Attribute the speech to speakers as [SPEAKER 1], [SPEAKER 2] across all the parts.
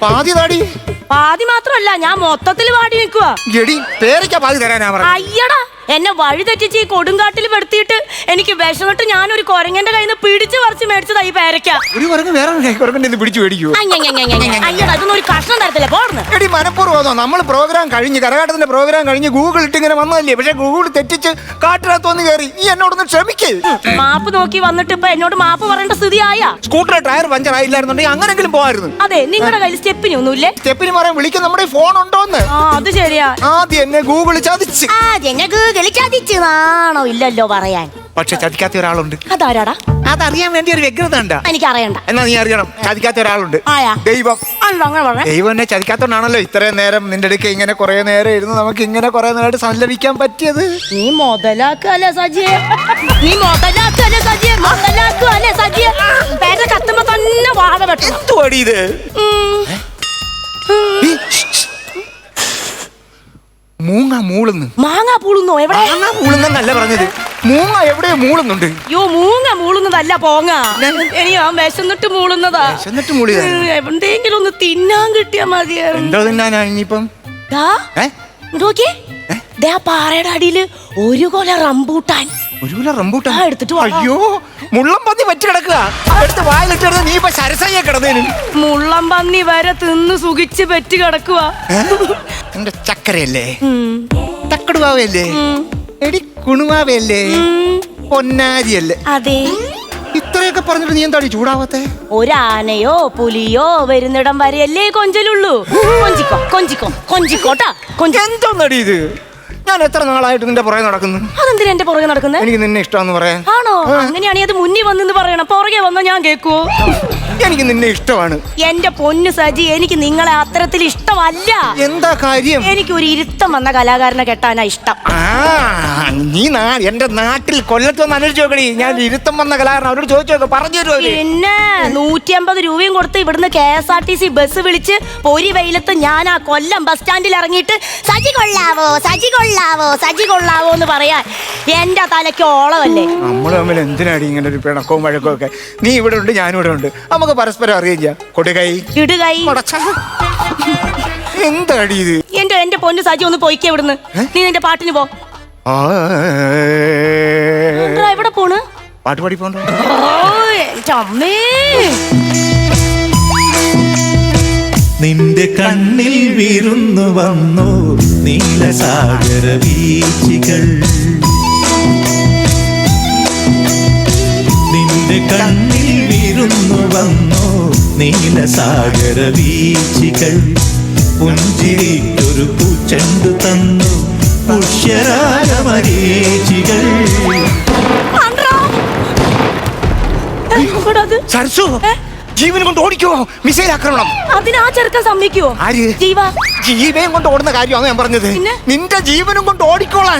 [SPEAKER 1] പാതി താടി.
[SPEAKER 2] പാതി മാത്രമല്ല, ഞാൻ മൊത്തത്തിൽ വാടി നിൽക്കുക.
[SPEAKER 1] എടി പേരയ്ക്ക പാതി തരാനാ പറഞ്ഞത്.
[SPEAKER 2] അയ്യടാ, എന്നെ വഴി തെറ്റിച്ച് ഈ കൊടുങ്കാട്ടിൽ പെടുത്തിയിട്ട് എനിക്ക് വിഷമിട്ട് ഞാനൊരു കുരങ്ങന്റെ കയ്യിൽ നിന്ന് പിടിച്ചു പറിച്ച് മേടിച്ചതാ ഈ പേരയ്ക്ക.
[SPEAKER 1] ഒരു കുരങ്ങ് വേറെ കുരങ്ങന്റെ പിടിച്ചു മേടിക്കുവോ?
[SPEAKER 2] അയ്യടാ, ഇതൊന്നും ഒരു കഷ്ണം തരത്തില്ല. പോർന്ന്
[SPEAKER 1] എടി മനഃപൂർവ്വം നമ്മൾ പ്രോഗ്രാം കഴിഞ്ഞ് കരകാട്ടത്തിന്റെ പ്രോഗ്രാം കഴിഞ്ഞ് ഗൂഗിൾ ഇട്ട് ഇങ്ങനെ വന്നതല്ലേ. പക്ഷെ ഗൂഗിൾ തെറ്റിച്ച് കാട്ടിനകത്ത് വന്ന് കയറി. ഈ എന്നോടൊന്ന് ക്ഷമിക്കേ.
[SPEAKER 2] മാപ്പ് നോക്കി വന്നിട്ട് ഇപ്പൊ എന്നോട് മാപ്പ് പറയേണ്ട സ്ഥിതിയായ.
[SPEAKER 1] സ്കൂട്ടർ ടയർ പഞ്ചർ ആയില്ലായിരുന്നുണ്ടെങ്കിൽ അങ്ങനെങ്കിലും പോകായിരുന്നു.
[SPEAKER 2] അതെ, നിങ്ങളുടെ കയ്യിൽ സ്റ്റെപ്പിന് ഒന്നുമില്ലേ?
[SPEAKER 1] സ്റ്റെപ്പിന് പറയാൻ വിളിക്കാൻ നമ്മുടെ ഫോൺ ഉണ്ടോന്ന്.
[SPEAKER 2] അത് ശരിയാ.
[SPEAKER 1] ആദ്യം എന്നെ ഗൂഗിൾ ചതിച്ച്.
[SPEAKER 2] ചതിച്ചതാണോ? ഇല്ലല്ലോ പറയാൻ.
[SPEAKER 1] പക്ഷെ ചതിക്കാത്ത ഒരാളുണ്ട്.
[SPEAKER 2] അതാരാടാ?
[SPEAKER 1] അതറിയാൻ വേണ്ടി ഒരു വ്യഗ്രത ഉണ്ട്.
[SPEAKER 2] എനിക്ക് അറിയണ്ട.
[SPEAKER 1] എന്നാ നീ അറിയണം. ചതിക്കാത്ത ഒരാളുണ്ട്.
[SPEAKER 2] ദൈവം.
[SPEAKER 1] ദൈവം എന്നെ ചതിക്കാത്തോണ്ടാണല്ലോ ഇത്രയും നേരം നിന്റെ അടുക്ക ഇങ്ങനെ കുറെ നേരം ഇരുന്ന് നമുക്ക് ഇങ്ങനെ കുറെ നേരമായിട്ട് സല്ലപിക്കാൻ പറ്റിയത്.
[SPEAKER 2] നീ മുതലാക്കല്ലേ സജിയെ? നീ മുതലാക്കല്ലേ സജിയെ? മുതലാക്കല്ലേ സജിയെ? പേരെ കത്തുമ്പോ തന്നെ വാഴ വെട്ടണം.
[SPEAKER 1] എന്തുവാടി ഇത്? മൂങ്ങ മൂളുന്നു.
[SPEAKER 2] മാങ്ങ പൂളുന്നോ? എവിടെ?
[SPEAKER 1] മാങ്ങ മൂളുന്നല്ല പറഞ്ഞത്. മൂങ്ങ എവിടെയോ മൂളുന്നുണ്ട്.
[SPEAKER 2] യോ, മൂങ്ങ മൂളുന്നതല്ല, പോങ്ങ. എനിക്ക് ആ വിശന്നിട്ട് മൂളുന്നതാ.
[SPEAKER 1] വിശന്നിട്ട് മൂളിയതാ.
[SPEAKER 2] എവിടെയെങ്കിലും ഒന്ന് തിന്നാൻ കിട്ടിയാ മതിയായിരുന്നു.
[SPEAKER 1] എന്തോ തിന്നാനാ ഇനിയിപ്പം?
[SPEAKER 2] പാറയുടെ അടിയില് ഒരു കൊല റംബൂട്ടാൻ.
[SPEAKER 1] ഒരു കൊല റംബൂട്ടാൻ
[SPEAKER 2] എടുത്തിട്ട്.
[SPEAKER 1] അയ്യോ, മുള്ളം പന്നി പറ്റി കിടക്കുക. എടുത്ത് വായിലിട്ട് നീ ഇപ്പൊ സരസയ്യ കിടന്നേന്.
[SPEAKER 2] മുള്ളം പന്നി വരെ തിന്ന് സുഖിച്ച് പറ്റി കിടക്കുക.
[SPEAKER 1] എന്റെ ചക്കരയല്ലേ? തക്കടുവാവയല്ലേ? എടി കുണുവാവയല്ലേ? പൊന്നാരിയല്ലേ?
[SPEAKER 2] അതെ.
[SPEAKER 1] ഇത്രയൊക്കെ പറഞ്ഞിട്ട് നീ എന്താണ് ചൂടാവാത്തെ?
[SPEAKER 2] ഒരാനയോ പുലിയോ വരുന്നിടം വരെയല്ലേ കൊഞ്ചലുള്ളൂ. കൊഞ്ചിക്കോ കൊഞ്ചിക്കോ കൊഞ്ചിക്കോട്ടാ.
[SPEAKER 1] എന്തോന്നടി ഇത്? ഞാൻ എത്ര നാളായിട്ട് നിന്റെ പുറകെ നടക്കുന്നു.
[SPEAKER 2] അതെന്തിനാ എന്റെ പുറകെ നടക്കുന്നത്?
[SPEAKER 1] എനിക്ക് നിന്നെ ഇഷ്ടമാണെന്ന് പറയാൻ.
[SPEAKER 2] ആണോ? അങ്ങനെയാണെങ്കിൽ അത് മുന്നിൽ വന്നെന്ന് പറയണം. പുറകെ വന്നാ ഞാൻ കേൾക്കുവോ?
[SPEAKER 1] എനിക്ക് നിന്നെ ഇഷ്ടമാണ്.
[SPEAKER 2] എന്റെ പൊന്നു സജി, എനിക്ക് നിങ്ങളെ അത്തരത്തിൽ ഇഷ്ടമല്ല.
[SPEAKER 1] എന്താ കാര്യം?
[SPEAKER 2] എനിക്ക് ഒരു ഇരുത്തം വന്ന കലാകാരനെ കെട്ടാനാ ഇഷ്ടം.
[SPEAKER 1] നീ എന്റെ നാട്ടിൽ കൊല്ലത്ത് വന്ന് അന്വേഷിച്ച് നോക്കണി. ഞാൻ ഇരുത്തം വന്ന കലാകാരൻ അവരോട് ചോദിച്ചു നോക്കാം, പറഞ്ഞു തരുമോ?
[SPEAKER 2] പിന്നെ 150 രൂപയും കൊടുത്ത് ഇവിടുന്ന് KSRTC ബസ് വിളിച്ച് പൊരി വെയിലത്ത് ഞാൻ ആ കൊല്ലം ബസ് സ്റ്റാൻഡിൽ ഇറങ്ങിയിട്ട് സജി കൊള്ളാവോ സജി കൊള്ളാവോ സജി കൊള്ളാവോ എന്ന് പറയാൻ എന്റെ തലയ്ക്ക് ഓളമല്ലേ.
[SPEAKER 1] നമ്മൾ തമ്മിൽ എന്തിനാടി ഇങ്ങനെ ഒരു പിണക്കവും വഴക്കവും ഒക്കെ? നീ ഇവിടെ ഉണ്ട്, ഞാനും ഇവിടെ ഉണ്ട്. നമുക്ക് പരസ്പരം അറിയുകയും ചെയ്യാം. കൊടുകൈ ഇടുകൈ. എന്താടി ഇത്?
[SPEAKER 2] എന്റെ പൊന്നു സജി ഒന്ന് പോയിക്കേ ഇവിടുന്ന്. നീ നിന്റെ പാട്ടിന് പോ. എവിടെ പോണ്?
[SPEAKER 1] പാട്ട് പാടി പോണ്ടോ?
[SPEAKER 3] നിന്റെ കണ്ണിൽ വിരുന്നു വന്നു നീലസാഗര വീച്ചികൾ. നിന്റെ കണ്ണിൽ വിരുന്നു വന്നു നീലസാഗര വീച്ചികൾ. പുഞ്ചിരിക്കൊരു പൂച്ചെണ്ടു തന്നു പുഷ്യരാഗമരീചികൾ.
[SPEAKER 1] സരസു, ജീവൻ കൊണ്ട് ഓടിക്കുവോ? മിസൈൽ ആക്രമണം.
[SPEAKER 2] അതിനാ ചെറുക്കൻ സമ്മതിക്കുവോ?
[SPEAKER 1] ആര്?
[SPEAKER 2] ജീവ.
[SPEAKER 1] ജീവയും കൊണ്ട് ഓടുന്ന കാര്യമാണ് ഞാൻ പറഞ്ഞത്. നിന്റെ ജീവനും കൊണ്ട് ഓടിക്കോളാൻ.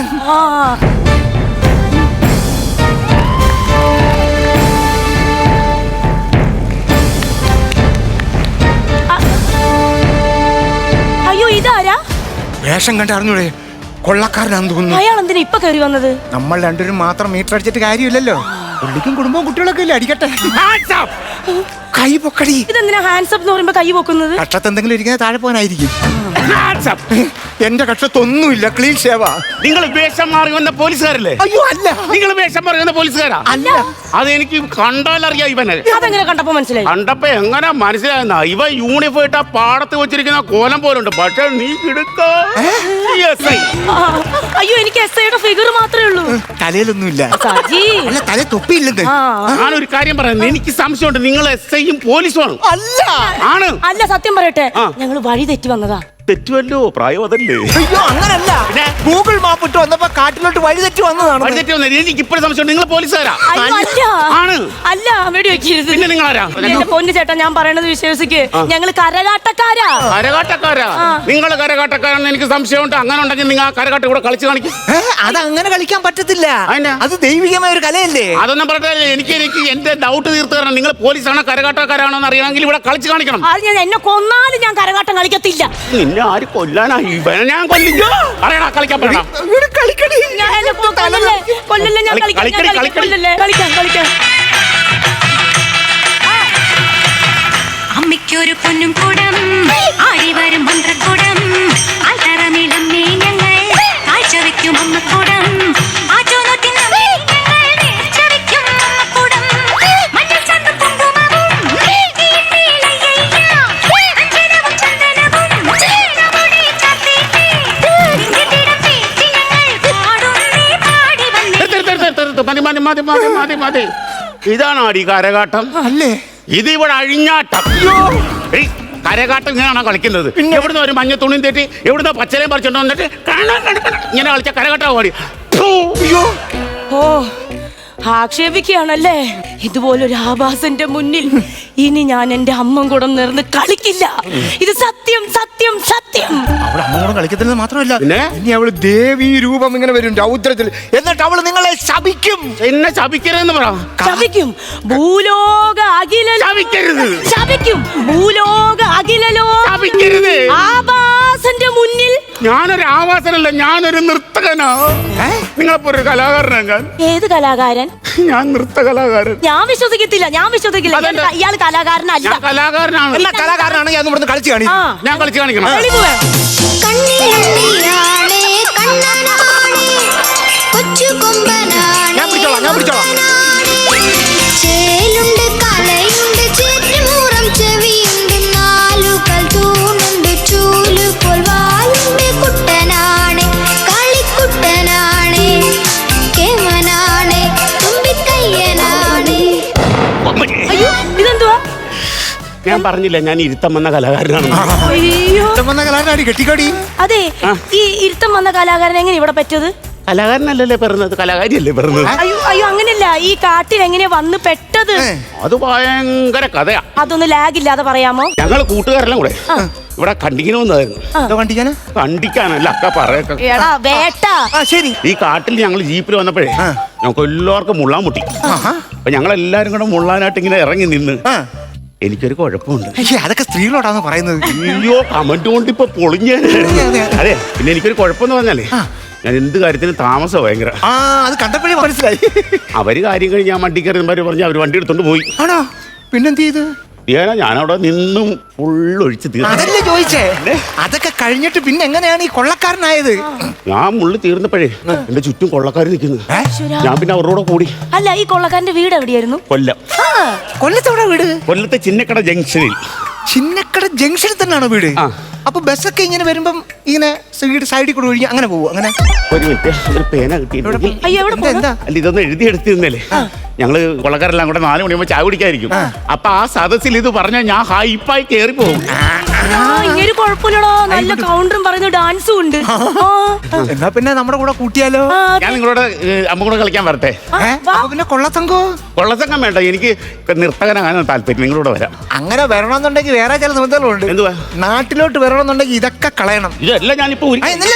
[SPEAKER 2] അയ്യോ, ഇതാരാ?
[SPEAKER 1] വേഷം കണ്ട് അറിഞ്ഞൂടെ? കൊള്ളക്കാരനാന്ന് തോന്നുന്നു.
[SPEAKER 2] അയാൾ എന്തിനാ ഇപ്പൊ കയറി വന്നത്?
[SPEAKER 1] നമ്മൾ രണ്ടുപേരും മാത്രം മീറ്റർ അടിച്ചിട്ട് കാര്യമില്ലല്ലോ. പുള്ളിക്കും കുടുംബവും കുട്ടികളൊക്കെ ഇല്ലേ? അടിക്കട്ടെ. കൈ പൊക്കടി.
[SPEAKER 2] ഇതെന്തിനാ ഹാൻഡ്സപ്പ് എന്ന് പറയുമ്പോ കൈ പൊക്കുന്നത്?
[SPEAKER 1] കക്ഷത്ത് എന്തെങ്കിലും ഇരിക്കുന്ന താഴെ പോകാനായിരിക്കും. എന്റെ കക്ഷത്തൊന്നുമില്ല, ക്ലീൻ ഷേവാ.
[SPEAKER 4] നിങ്ങൾ വേഷം മാറി വന്ന പോലീസുകാരല്ലേ?
[SPEAKER 1] അയ്യോ അല്ല.
[SPEAKER 4] നിങ്ങൾ വേഷം മാറി വന്ന പോലീസുകാരാ?
[SPEAKER 1] അല്ല.
[SPEAKER 4] അതെനിക്ക് കണ്ടാലറിയാം ഇവനെ.
[SPEAKER 2] അതെങ്ങനെ കണ്ടപ്പോ മനസ്സിലായി?
[SPEAKER 4] കണ്ടപ്പോ എങ്ങനെ മനസ്സിലായെന്ന? ഇവ യൂണിഫോം ഇട്ട പാടത്ത് വെച്ചിരിക്കുന്ന കോലം പോലുണ്ട്. പക്ഷെ നീ കിടക്ക.
[SPEAKER 2] അയ്യോ, എനിക്ക് SIയുടെ ഫിഗർ മാത്രമേ ഉള്ളൂ.
[SPEAKER 1] തലയിലൊന്നുമില്ല.
[SPEAKER 2] അല്ല,
[SPEAKER 1] തല തൊപ്പിയില്ലെന്ന്.
[SPEAKER 4] ഞാനൊരു കാര്യം പറയാം, എനിക്ക് സംശയമുണ്ട്. നിങ്ങൾ SIയും പോലീസുമാണ്.
[SPEAKER 1] അല്ല.
[SPEAKER 4] ആണ്.
[SPEAKER 2] അല്ല, സത്യം പറയട്ടെ, ഞങ്ങൾ വഴി തെറ്റി വന്നതാ.
[SPEAKER 4] തെറ്റുമല്ലോ, പ്രായം അതല്ലേ.
[SPEAKER 1] അയ്യോ അങ്ങനല്ല. ഗൂഗിൾ മാപ്പ് ഇട്ട് വന്നപ്പോ കാട്ടിലോട്ട് വഴി തെറ്റി വന്നതാണ്.
[SPEAKER 4] വഴി തെറ്റി വന്നത് എനിക്ക് ഇപ്പോഴും സംശയം. നിങ്ങൾ പോലീസുകാരാ? ആണ്.
[SPEAKER 2] അല്ല, വെടി വെക്കരുത്.
[SPEAKER 4] പിന്നെ നിങ്ങളാരാ?
[SPEAKER 2] എന്റെ പൊന്നു ചേട്ടാ, ഞാൻ പറയണത് വിശ്വസിക്ക്. ഞങ്ങൾ കരകാട്ടക്കാരാ.
[SPEAKER 4] കരകാട്ടക്കാരാ? നിങ്ങൾ കരകാട്ടക്കാരാണെന്ന് എനിക്ക് സംശയമുണ്ട്. അങ്ങനെ ഉണ്ടെങ്കിൽ നിങ്ങൾ ആ കരകാട്ട കൂടെ കളിച്ച് കാണിക്കും.
[SPEAKER 1] അത് അങ്ങനെ കളിക്കാൻ പറ്റത്തില്ല. അത് ദൈവികമായ ഒരു കലയല്ലേ.
[SPEAKER 4] അതൊന്നും പറഞ്ഞില്ല. എനിക്ക് എന്റെ ഡൗട്ട് തീർത്തു തരണം. നിങ്ങൾ പോലീസാണോ കരകാട്ടക്കാരാണോ എന്ന് അറിയണമെങ്കിൽ ഇവിടെ കളിച്ച് കാണിക്കണം.
[SPEAKER 2] അത് ഞാൻ എന്നെ കൊന്നാലും ഞാൻ കരകാട്ടം കളിക്കത്തില്ല.
[SPEAKER 4] ആര് കൊല്ലാനാ? ഇവനെ ഞാൻ കൊല്ലിക്കോ? അറിയടാ, കളിക്കാൻ പറയണം.
[SPEAKER 5] അമ്മയ്ക്കൊരു പൊന്നും കൂടം ആടിവരും മന്ത്രക്കൂടം ആൽത്തറമിളമ്മേ ഞങ്ങൾ കാഴ്ച വയ്ക്കും അമ്മക്കൂടം
[SPEAKER 4] മതി. ഇതാണ് അടി കരകാട്ടം
[SPEAKER 1] അല്ലേ?
[SPEAKER 4] ഇത് ഇവിടെ അഴിഞ്ഞാട്ടം. ഏയ്, കരകാട്ടം ഇങ്ങനെയാണോ കളിക്കുന്നത്? എവിടുന്ന് ഒരു മഞ്ഞ തുണിയും തെറ്റി എവിടുന്ന് പച്ചലയും പറിച്ചോണ്ട് വന്നിട്ട് ഇങ്ങനെ കളിച്ച കരകാട്ടം പാടി.
[SPEAKER 2] ഓ ആക്ഷേപിക്കുകയാണല്ലേ? ഇതുപോലൊരു ആഭാസന്റെ മുന്നിൽ ഇനി ഞാൻ എന്റെ അമ്മൻ കൂടെ നേർന്ന് കളിക്കില്ല. ഇത് സത്യം സത്യം സത്യം.
[SPEAKER 1] അവള് അമ്മയോട് കളിക്കുന്നത് മാത്രമല്ല,
[SPEAKER 4] പിന്നെ?
[SPEAKER 1] ഇനി അവള് ദേവീ രൂപം ഇങ്ങനെ വരും രൗദ്രത്തിൽ. എന്നിട്ട് അവള് നിങ്ങളെ ശപിക്കും.
[SPEAKER 4] എന്നെ ശപിക്കരുതെന്ന് പറ.
[SPEAKER 2] ശപിക്കും. ഭൂലോക അഖില
[SPEAKER 4] ശപിക്കരുത്.
[SPEAKER 2] ശപിക്കും. ഭൂലോക അഖിലലോ
[SPEAKER 4] ശപിക്കരുത്.
[SPEAKER 2] ആഭാസന്റെ മുന്നിൽ
[SPEAKER 4] ഞാനൊരു ആവാസനല്ല, ഞാനൊരു നൃത്തകനാ. നിങ്ങളെപ്പോ ഒരു കലാകാരനാണ് ഞാൻ.
[SPEAKER 2] ഏത് കലാകാരൻ?
[SPEAKER 4] ഞാൻ നൃത്ത കലാകാരൻ.
[SPEAKER 2] ഞാൻ വിശ്വസിക്കത്തില്ല, ഞാൻ വിശ്വസിക്കില്ല.
[SPEAKER 4] അതെന്താ?
[SPEAKER 2] ഇയാൾ കലാകാരനല്ല.
[SPEAKER 4] ഞാൻ കലാകാരനാണ്.
[SPEAKER 1] എന്നാ കലാകാരനാണെങ്കിൽ അന്ന് ഇവിടുന്ന് കളിച്ച് കാണി.
[SPEAKER 2] ആ.
[SPEAKER 4] ഞാൻ കളിച്ച് കാണിക്കണം.
[SPEAKER 2] തെളിവ് വേണം.
[SPEAKER 5] കണ്ണിലുണ്ണിയാണേ കണ്ണനാണേ കൊച്ചു കൊമ്പനാണേ
[SPEAKER 1] ഞാൻ പിടിച്ചോളാം.
[SPEAKER 5] ചേലുണ്ട് കലയുണ്ട് ചേറ്റുമൂറം ചെവിയുണ്ട് നാലുകൾ തൂണുണ്ട് ചൂലുപോൽ വാലുണ്ട് കുട്ടനാണേ കളിക്കുട്ടനാണേ കേമനാണേ തുമ്പിക്കയ്യനാണേ.
[SPEAKER 2] അയ്യോ ഇതെന്തുവാ?
[SPEAKER 4] ഞാൻ പറഞ്ഞില്ല ഞാൻ ഇരുത്തം വന്ന കലാകാരനാണ്.
[SPEAKER 2] അയ്യോ
[SPEAKER 1] വന്ന കലാകാരി കെട്ടിക്കാടി.
[SPEAKER 2] അതെ, ഈ ഇരുത്തം വന്ന കലാകാരൻ എങ്ങനെ ഇവിടെ പറ്റത്?
[SPEAKER 4] കലാകാരനല്ലല്ലേ പറഞ്ഞത്, കലാകാരിയല്ലേ പറഞ്ഞത്.
[SPEAKER 2] അയ്യോ അയ്യോ അങ്ങനെയല്ല, ഈ കാട്ടിൽ എങ്ങനെ വന്ന് പെട്ടത്?
[SPEAKER 4] അത് ഭയങ്കര കഥയാ.
[SPEAKER 2] അതൊന്ന് ലാഗ് ഇല്ലാതെ പറയാമോ?
[SPEAKER 4] ഞങ്ങള് കൂട്ടുകാരെല്ലാം കൂടെ ഇവിടെ കണ്ടിക്കണമെന്നായിരുന്നു.
[SPEAKER 1] കണ്ടിക്കാനാ?
[SPEAKER 4] കണ്ടിക്കാനല്ല അക്ക പറയൊക്കെ.
[SPEAKER 2] എടാ വേട്ട.
[SPEAKER 1] ശരി.
[SPEAKER 4] ഈ കാട്ടിൽ ഞങ്ങൾ ജീപ്പിൽ വന്നപ്പോഴേ ഞങ്ങൾക്ക് എല്ലാവർക്കും മുള്ളാൻ മുട്ടി. അപ്പൊ ഞങ്ങൾ എല്ലാരും കൂടെ മുള്ളാനായിട്ട് ഇങ്ങനെ ഇറങ്ങി നിന്ന് എനിക്കൊരു കുഴപ്പമുണ്ട്.
[SPEAKER 1] അതൊക്കെ സ്ത്രീകളോടാന്ന് പറയുന്നത്.
[SPEAKER 4] അയ്യോ കമന്റ് കൊണ്ട് ഇപ്പൊ പൊളിഞ്ഞേ. അതെ, പിന്നെ എനിക്കൊരു കുഴപ്പമെന്ന് പറഞ്ഞാലേ ഞാൻ എന്ത് കാര്യത്തിനും താമസം ഭയങ്കര.
[SPEAKER 1] അത് കണ്ടപ്പോഴേ മനസ്സിലായി.
[SPEAKER 4] അവര് കാര്യം കഴിഞ്ഞ് ഞാൻ വണ്ടി കയറുന്നവര് പറഞ്ഞ് അവര് വണ്ടി എടുത്തോണ്ട് പോയി.
[SPEAKER 1] ആണോ? പിന്നെന്ത് ചെയ്ത്?
[SPEAKER 4] ഞാനവിടെ നിന്നും ഫുള്ളൊഴിച്ച്
[SPEAKER 1] അതല്ലേ ചോദിച്ചേ. അതൊക്കെ കഴിഞ്ഞിട്ട് പിന്നെ എങ്ങനെയാണ് ഈ കൊള്ളക്കാരനായത്?
[SPEAKER 4] ഞാൻ മുള്ളി തീർന്നപ്പോഴേ എന്റെ ചുറ്റും കൊള്ളക്കാർ നിൽക്കുന്നു. ഞാൻ പിന്നെ അവരോട് കൂടി.
[SPEAKER 2] അല്ല, ഈ കൊള്ളക്കാരന്റെ വീട് എവിടെയായിരുന്നു?
[SPEAKER 4] കൊല്ലം.
[SPEAKER 1] കൊല്ലത്തോടെ വീട്?
[SPEAKER 4] കൊല്ലത്തെ ചിന്നക്കട ജംഗ്ഷനിൽ.
[SPEAKER 1] ചിന്നക്കട ജംഗ്ഷനിൽ തന്നെയാണോ വീട്? അപ്പൊ ബസ്സൊക്കെ ഇങ്ങനെ വരുമ്പം ഇങ്ങനെ സൈഡിൽ കൂടെ ഒഴിഞ്ഞ് അങ്ങനെ പോവും. അങ്ങനെ
[SPEAKER 4] ഒരു മിനിറ്റ്, ഒരു പേന കിട്ടിയിട്ടുണ്ട്.
[SPEAKER 2] അയ്യോ എവിടെ പോണു?
[SPEAKER 4] അല്ല ഇതൊന്ന് എഴുതിയെടുത്തിരുന്നല്ലേ. ഞങ്ങള് കൊള്ളക്കാരെല്ലാം കൂടെ 4 മണിയാകുമ്പോ ചായ കുടിക്കായിരിക്കും. അപ്പൊ ആ സദസ്സിൽ ഇത് പറഞ്ഞാൽ ഞാൻ ഹൈപ്പായി കയറി പോകും.
[SPEAKER 2] ഇങ്ങനെ കുഴപ്പമില്ലടോ, നല്ല കൗണ്ടറും പറയുന്നു, ഡാൻസും ഉണ്ട്.
[SPEAKER 1] എന്നാ പിന്നെ നമ്മുടെ കൂടെ കൂട്ടിയാലോ?
[SPEAKER 4] ഞാൻ നിങ്ങളോട് അമ്മ കൂടെ കളിക്കാൻ വരട്ടെ?
[SPEAKER 1] പിന്നെ കൊള്ളത്തങ്കോ?
[SPEAKER 4] കൊള്ളസംഘം വേണ്ട, എനിക്ക് നർത്തകനാകാൻ താല്പര്യം. നിങ്ങളോട് വരാം.
[SPEAKER 1] അങ്ങനെ വരണമെന്നുണ്ടെങ്കിൽ വേറെ ചില നിബന്ധനകളുണ്ട്.
[SPEAKER 4] എന്തുവാ?
[SPEAKER 1] നാട്ടിലോട്ട് വരണമെന്നുണ്ടെങ്കിൽ ഇതൊക്കെ കളയണം.
[SPEAKER 4] ഇതല്ല ഞാനിപ്പോ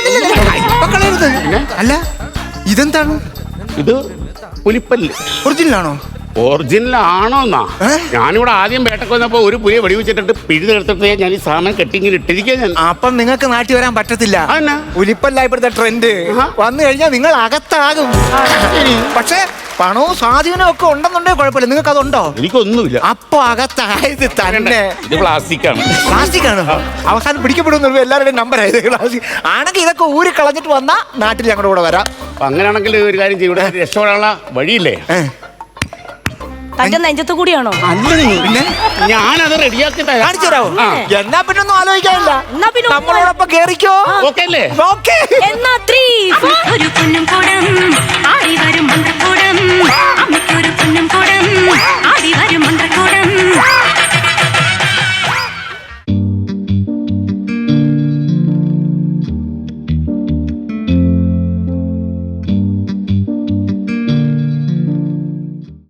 [SPEAKER 1] കളയരുത്. അല്ല ഇതെന്താണ്?
[SPEAKER 4] ഇത് പുലിപ്പല്ല്.
[SPEAKER 1] ഒറിജിനലാണോ?
[SPEAKER 4] ഒറിജിനൽ ആണോന്നാ? ഞാനിവിടെ ആദ്യം വേട്ടക്ക് വന്നപ്പോ ഒരു പുലിയെ വെടിവെച്ചിട്ട് പിഴുതെടുത്തിട്ട് ഞാൻ ഈ സാധനം കെട്ടിങ്ങനെ ഇട്ടിരിക്കുക. ഞാൻ
[SPEAKER 1] അപ്പം നിങ്ങൾക്ക് നാട്ടിൽ വരാൻ പറ്റത്തില്ല.
[SPEAKER 4] അതെന്നാ?
[SPEAKER 1] പുലിപ്പല്ല ഇപ്പോഴത്തെ ട്രെൻഡ്. വന്നു കഴിഞ്ഞാൽ നിങ്ങൾ അകത്താകും. പക്ഷേ പണവും സ്വാധീനവും ഒക്കെ ഉണ്ടെന്നുണ്ടെങ്കിൽ കുഴപ്പമില്ല. നിങ്ങൾക്ക് അതുണ്ടോ?
[SPEAKER 4] എനിക്കൊന്നുമില്ല.
[SPEAKER 1] അപ്പൊ അകത്തായത് തന്നെ.
[SPEAKER 4] ഇത് പ്ലാസ്റ്റിക് ആണ്.
[SPEAKER 1] പ്ലാസ്റ്റിക് ആണ്. അവസാനം പിടിക്കപ്പെടുന്ന എല്ലാവരുടെയും നമ്പർ ആയത് പ്ലാസ്റ്റിക് ആണെങ്കിൽ ഇതൊക്കെ ഊരി കളഞ്ഞിട്ട് വന്നാ നാട്ടിൽ ഞങ്ങളുടെ കൂടെ വരാം.
[SPEAKER 4] അങ്ങനെയാണെങ്കിൽ ഒരു കാര്യം ചെയ്യും, ഇവിടെ രക്ഷപ്പെടാനുള്ള വഴിയില്ലേ?
[SPEAKER 2] തന്റെ നെഞ്ചത്ത് കൂടിയാണോ?
[SPEAKER 1] പിന്നെ
[SPEAKER 4] ഞാനത് റെഡിയാക്കി
[SPEAKER 1] കാണിച്ചു തരാമോ? എന്നാ പിന്നെ ഒന്നും ആലോചിക്കാനില്ല.
[SPEAKER 2] എന്നാ പിന്നെ
[SPEAKER 1] നമ്മളോടൊപ്പം കേറിക്കോ.
[SPEAKER 4] ഓക്കെ അല്ലേ?
[SPEAKER 1] ഓക്കെ.
[SPEAKER 2] എന്നാ 3, 4